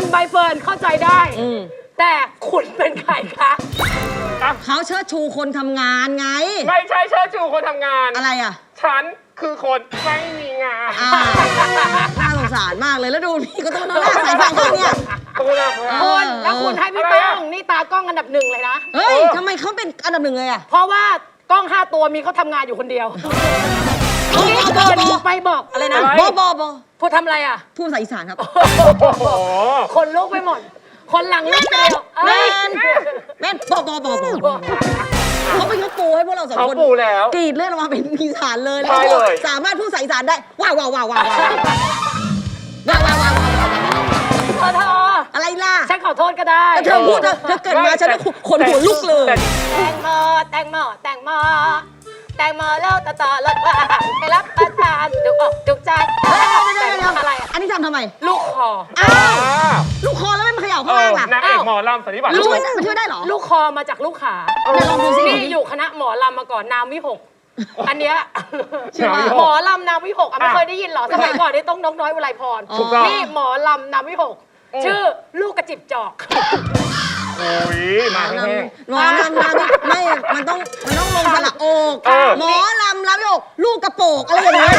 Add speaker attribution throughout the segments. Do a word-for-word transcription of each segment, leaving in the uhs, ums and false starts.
Speaker 1: ใบเฟิร์นเข้าใจได้แต่คุณเป็นใครคะ
Speaker 2: เขาเชิดชูคนทำงานไง
Speaker 3: ไม่ใช่เชิดชูคนทำงาน
Speaker 2: อะไรอ่ะ
Speaker 3: ฉันคือคนไม่มีงาน
Speaker 2: น่าสงสารมากเลยแล้วดูพี่ก็ต้องนอนหน้าใส่ฟังเขาเนี่ย
Speaker 1: คุณแล้วคุณให้พี่ต้องนี่ตากล้องอันดับหนึ่งเลยนะ
Speaker 2: เฮ้ยทำไมเขาเป็นอันดับหนึ่งเลยอ่ะ
Speaker 1: เพราะว่ากล้องห้าตัวมีเขาทำงานอยู่คนเดียวนี่เกินไปบอกอะไรนะ
Speaker 2: บอบอบอ
Speaker 1: พูดทำอะไรอ่ะ
Speaker 2: พูดภาษาอีสานครับ
Speaker 1: คนลุกไปหมดคนหลังลุกเดียว
Speaker 2: แม่นแม่นบอบอบอบอเขาเป็นเขาปูให้พวกเราสองคน
Speaker 3: เขาปูแล้ว
Speaker 2: กรีดเลือดออกมาเป็นอีสานเลยแล้วสามารถพูดภาษาอีสานได้ว้าวว้าวว้าวว้าวว้าวว้าวว้าว
Speaker 1: เธอเธอ
Speaker 2: อะไรล่ะ
Speaker 1: ฉันขอโทษก็ได้
Speaker 2: เธอพูดเธอเธอเกิดมาฉันขนหัวลุกเลย
Speaker 1: แตงโมแตงโมแตงโมแตงโมแล้วต่อต่อรถว่าให้รับประทานจุกอกจุกใจอะไร
Speaker 2: อันนี้ทำทำไม
Speaker 1: ลูกคอ
Speaker 2: อ้าวลูกคอแล้วไม่มาเขย่าข้างล่างล่ะ
Speaker 3: นางเอกหมอลำสันนิบาต
Speaker 2: ช่วยมันช่วยได้หรอ
Speaker 1: ลูกคอมาจากลูกขา
Speaker 2: ลองดูสิ
Speaker 1: นี่อยู่คณะหมอลำมาก่อนนามวิหกอันเนี้ยหมอลำนามวิหกไม่เคยได้ยินหรอสมัยก่อนนี่ต้องน้องน้อยอุไรพรนี่หมอลำนามวิหกชื่อลูกกระจิบจอก
Speaker 3: โอ้ยมาแห้ง
Speaker 2: หมอลำลำไม่ มันต้องมันต้องลงสระโอกหมอลำลำไม่อกลูกกระโปกอะไรอย่างเงี้ย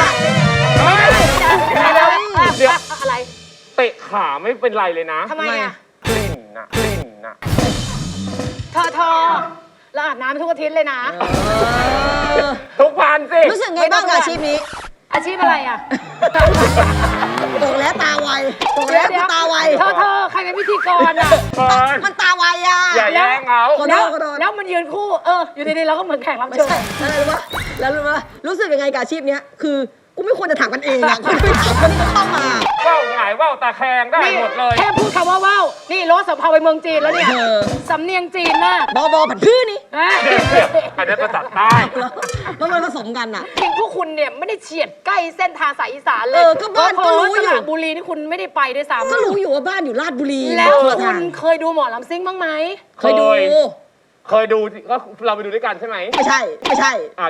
Speaker 1: เดี๋ยวอะไร
Speaker 3: เตะขาไม่เป็นไรเลยนะ
Speaker 1: ทำไมอ่ะ
Speaker 3: กลิ่นนะกลิ่นนะ
Speaker 1: เธอเธอเราอาบน้ำทุกอาทิตย์เลยนะ
Speaker 3: ทุกวันสิ
Speaker 2: รู้สึกไงบ้างอาชีพนี้
Speaker 1: อาชีพอะไรอ่ะ
Speaker 2: ตกแล้วตาไวตกแล้วตาไว
Speaker 1: เธอเธอใครเป็นพิธีกรอ่ะ
Speaker 2: มันตาไวอ่ะ
Speaker 3: อย่าแย่งเขา
Speaker 1: แล้วมันยืนคู่เอออยู่ดีๆเราก็เหมือนแข่งรับเชิญ
Speaker 2: อะไรรู้ปะแล้วรู้ปะรู้สึกยังไงกับอาชีพนี้คือกูไม่ควรจะถามกันเองอ่ะคุณไม่ถามคนที่เข้ามา
Speaker 3: ว่าวหงายว่าวตาแคงได้หมดเลย
Speaker 1: แค่พูดคำว่าว่าวนี่รถสัมภาระไปเมืองจีนแล้วเนี่ยสำเนียงจีนมาก
Speaker 2: บอบอผัดพื้นนี่
Speaker 3: อันนี้ภาษาใต้
Speaker 2: แล้วมันผสมกันอ่ะ
Speaker 1: จริงพวกคุณเนี่ยไม่ได้เฉียดใกล้เส้นทางสายอีสานเลย
Speaker 2: เออก็บ้านก็รู้อยู่
Speaker 1: บุรีนี่คุณไม่ได้ไปด้วยซ้ำ
Speaker 2: ก็รู้อยู่ว่าบ้านอยู่ราชบุรี
Speaker 1: แล้วคุณเคยดูหมอลำซิ่งบ้างไหม
Speaker 2: เคยดู
Speaker 3: เคยดูก็เราไปดูด้วยกันใช่ไหม
Speaker 2: ไม่ใช่ไม่ใช่
Speaker 3: อ่ะ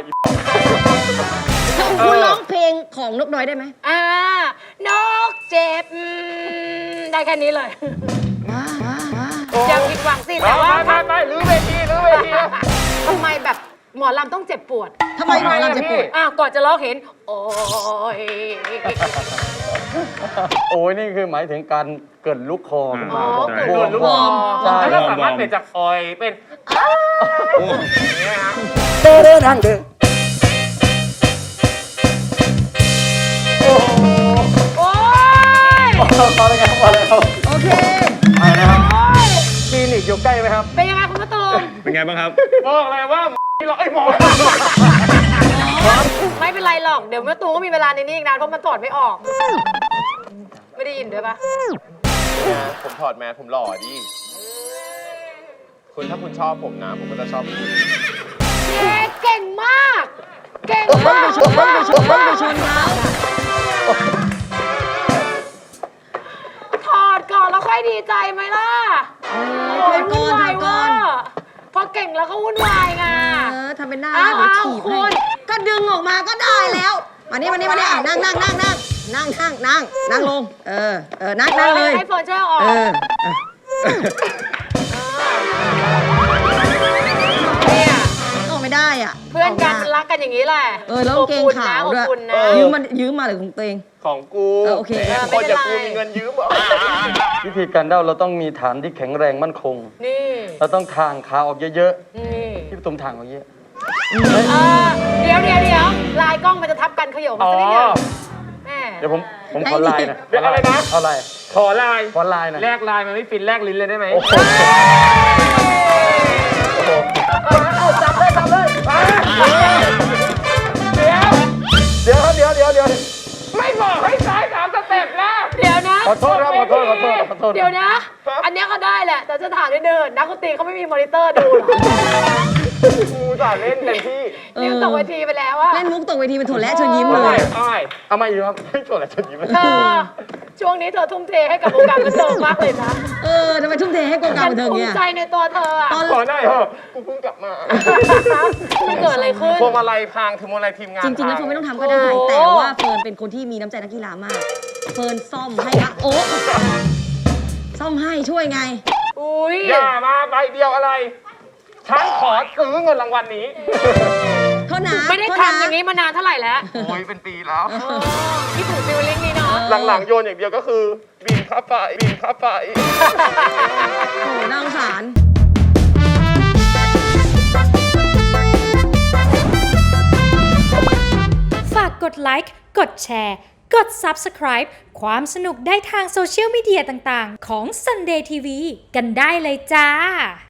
Speaker 2: คุณร้องเพลงของนกน้อยได้ไหม
Speaker 1: อ่านกเจ็บได้แค่นี้เลยอย่าผิดหวังสิแต่ว่า
Speaker 3: ไม่ไม่ลื้อเวทีลื้อเวที
Speaker 1: ทำไมแบบหมอลำต้องเจ็บปวด
Speaker 2: ทำไมหมอลำเจ็บปวด
Speaker 1: อ้าวก่อนจะร้องเห็นโอ้ย
Speaker 4: โอ้ยนี่คือหมายถึงการเกิดลูกคอ
Speaker 1: อ๋อ
Speaker 3: เกิดลูกคอแล้วก็สามารถเปลี่ยนจากออยเป็น
Speaker 4: เดินเดินทางเดิน
Speaker 1: โอ้ย
Speaker 4: พอแล้วครับพอแล้วครับ
Speaker 2: โอเค
Speaker 4: ไปนะครับคลินิกอยู่ใกล้ไหมครับ
Speaker 1: เป็นยังไงคุณมะตูม
Speaker 4: เป็นไงบ้างครับ
Speaker 3: บอกเลยว่ามีหรอไอ้หมอ
Speaker 1: ไม่เป็นไรหรอกเดี๋ยวมะตูมก็มีเวลาในนี้อีกนานเพราะมันถอดไม่ออกไม่ได้ยินด้วยปะ
Speaker 3: ผมถอดแมสผมหล่อดิคุณถ้าคุณชอบผมนะผมก็จะชอบคุณ
Speaker 1: เก่งมากเก่งมาก
Speaker 2: ไปชนไปชนไปชนเขา
Speaker 1: ถอดก่อนแล้วค่อยดีใจไหมล่ะ
Speaker 2: ถอดก่อนถอดก่อน
Speaker 1: พอเก่งแล้วก็วุ่นวายไง
Speaker 2: เออทำเป็นหน้าเดี๋ยวถีบให้ก็ดึงออกมาก็ได้แล้วมานี่มานี่มานี่นั่งนั่งนั่งนั่งนั่งนั่งนั่งนั่งลงเออเออนั่งนั่งเลย
Speaker 1: ให้เฟิร์นช่วยออก
Speaker 2: เออ
Speaker 1: เนี่ย
Speaker 2: ออกไม่ได้อ่ะ
Speaker 1: เพื่อนกันรักกันอย่างนี้แหละ
Speaker 2: เออแล้วเกงขาวด้วยยืมมายืมมาหรือของตัวเอง
Speaker 3: ของกู
Speaker 2: โอเค
Speaker 3: คนอย่างกูมีเงินยืม
Speaker 4: วิธีการเด้าเราต้องมีฐานที่แข็งแรงมั่นคง
Speaker 1: นี่
Speaker 4: เราต้องทางขาออกเยอะ
Speaker 1: ๆนี่
Speaker 4: พี่ตุ้มทางออกเยอะ
Speaker 1: เดี๋ยวเดี๋ยวเดี๋ยวลายกล้องมันจะทับกันขย่มสักนิดเดียว
Speaker 4: เดี๋ยวผมผมขอลายนะ
Speaker 3: เดี๋ยวอะไรนะ
Speaker 4: ขอลาย
Speaker 3: ขอลาย
Speaker 4: ขอลายนะ
Speaker 3: แลกลายมันไม่ฟินแลกลิ้นเลยได้ไหม
Speaker 1: เอาจับเลยจับเลย
Speaker 3: เดี๋ยวเดี๋ยวเดี๋ยวเดี๋ยวเดี๋ยวไม่บอกให้ซ้ายสามสเต็ปแล้ว
Speaker 1: เดี๋ยวนะ
Speaker 4: ขอโทษครับขอโทษขอโทษขอโทษ
Speaker 1: เดี๋ยวนะอันนี้เขาได้แหละแต่จะถามนิดนึงนักดนตรีเขาไม่มีมอนิเตอร์ดูหรอ
Speaker 3: กูจะเล่นเต็มที่
Speaker 1: เล่นตกเวทีไปแล้วอะ
Speaker 2: เล่นมุกตกเวทีเป็นถั่วและเชิญยิ้มเลย
Speaker 3: เอามาอีกครับไม่ถั่วและเชิญยิ้ม
Speaker 1: เธอช่วงนี้เธอทุ่มเทให้กับวงการบันเทิงมากเลยนะ
Speaker 2: เออทำไมทุ่มเทให้วงการบันเทิงเนี่ย
Speaker 1: ภูมิใจในตัวเธออะ
Speaker 3: ขอได้เหรอกูเพิ่งกลับมา
Speaker 1: มันเกิดอะไรขึ้น
Speaker 3: พวงมาลัยพังถึงพวงมาลัยทีมงาน
Speaker 2: จริงๆแล้วเฟิร์นไม่ต้องทำก็ได้แต่ว่าเฟิร์นเป็นคนที่มีน้ำใจนักกีฬามากเฟิร์นซ่อมให้ละโอ้ซ่อมให้ช่วยไง
Speaker 1: อุ้ย
Speaker 3: อย่ามาใบเดียวอะไร ฉันขอซื้อเงินรางวัลนี้
Speaker 2: โทษนะ
Speaker 1: ไม่ได้
Speaker 2: โทษ
Speaker 1: ทำ
Speaker 2: นะ
Speaker 1: อย่างนี้มานานเท่าไหร่แล้ว
Speaker 3: โอ้ยเป็นปีแล้ว
Speaker 1: ที่ถูกฟิลลิ่งนี้เนาะ
Speaker 3: หลังๆโยนอย่างเดียวก็คือบินค่าไฟบินค่าไฟ
Speaker 2: โอ้น่าสงสาร
Speaker 5: ฝากกดไลค์ กดแชร์ กด Subscribe ความสนุกได้ทางโซเชียลมีเดียต่างๆ ของ Sunday ที วี กันได้เลยจ้า